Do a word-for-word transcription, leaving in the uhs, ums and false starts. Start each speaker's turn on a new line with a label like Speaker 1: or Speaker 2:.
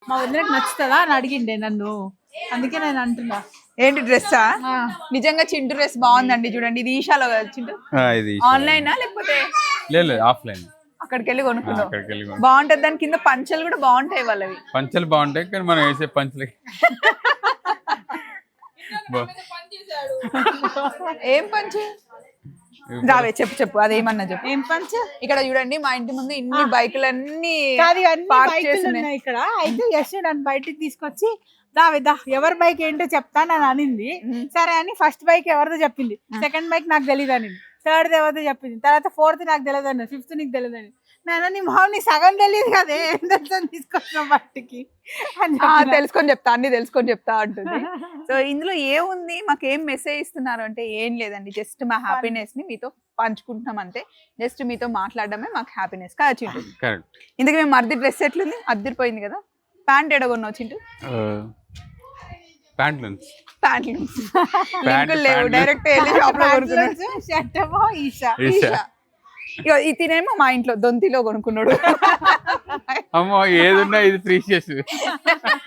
Speaker 1: మా వదినకి నచ్చుతుందా అని అడిగిండే నన్ను, అందుకే నేను అంటున్నా.
Speaker 2: ఏంటి డ్రెస్సా? నిజంగా చింటూ డ్రెస్ బాగుందండి, చూడండి. ఇది ఈషాలో కదా చింటూ? ఆన్లైనా లేకపోతే
Speaker 3: ఆఫ్లైన్?
Speaker 2: అక్కడికి వెళ్ళి కొనుక్కున్నాం. బాగుంటది. దాని కింద పంచలు కూడా బాగుంటాయి వాళ్ళవి.
Speaker 3: పంచలు బాగుంటాయి కానీ మనం వేసే పంచలకి
Speaker 2: ఏం పంచు? రావే చెప్పు చెప్పు, అదేమన్నా చెప్పు.
Speaker 1: ఏం పంచ?
Speaker 2: ఇక్కడ చూడండి, మా ఇంటి ముందు ఇన్ని బైకులన్నీ
Speaker 1: ఉన్నాయి ఇక్కడ. అయితే యశ్ నన్ను బయటికి తీసుకొచ్చి దావిదా ఎవరి బైక్ ఏంటో చెప్తాను అని అనింది. సరే అని ఫస్ట్ బైక్ ఎవరిదో చెప్పింది, సెకండ్ బైక్ నాకు తెలియదు అని, థర్డ్ ఎవరిదో చెప్పింది, తర్వాత ఫోర్త్ నాకు తెలియదు అని, ఫిఫ్త్ నీకు తెలియదు అని. నేను నీ మొహం నీ సగం తెలియదు కదే తీసుకొచ్చిన బయటికి
Speaker 2: తెలుసుకొని చెప్తా, అన్ని తెలుసుకొని చెప్తా అంటుంది. సో ఇందులో ఏముంది, మాకు ఏం మెసేజ్ ఇస్తున్నారు అంటే ఏం లేదండి, జస్ట్ మా హ్యాపీనెస్ ని మీతో పంచుకుంటున్నాం అంతే. జస్ట్ మీతో మాట్లాడడమే మాకు హ్యాపీనెస్ కదా చింటూ? ఇందుకు మేము మర్ది డ్రెస్ ఎట్లుంది, అద్దరిపోయింది కదా. ప్యాంట్ ఎడగొన్నావు చింటూ?
Speaker 3: ప్యాంట్లు
Speaker 2: ప్యాంట్లు లేవు, డైరెక్ట్ వెళ్ళి షాప్ లో కొనుక్కున్నాడు. ఈషా ఇక ఇతనేమో మా ఇంట్లో దొంతిలో కొనుక్కున్నాడు.
Speaker 3: అమ్మో ఏదున్నా ఇది ప్రీషియస్.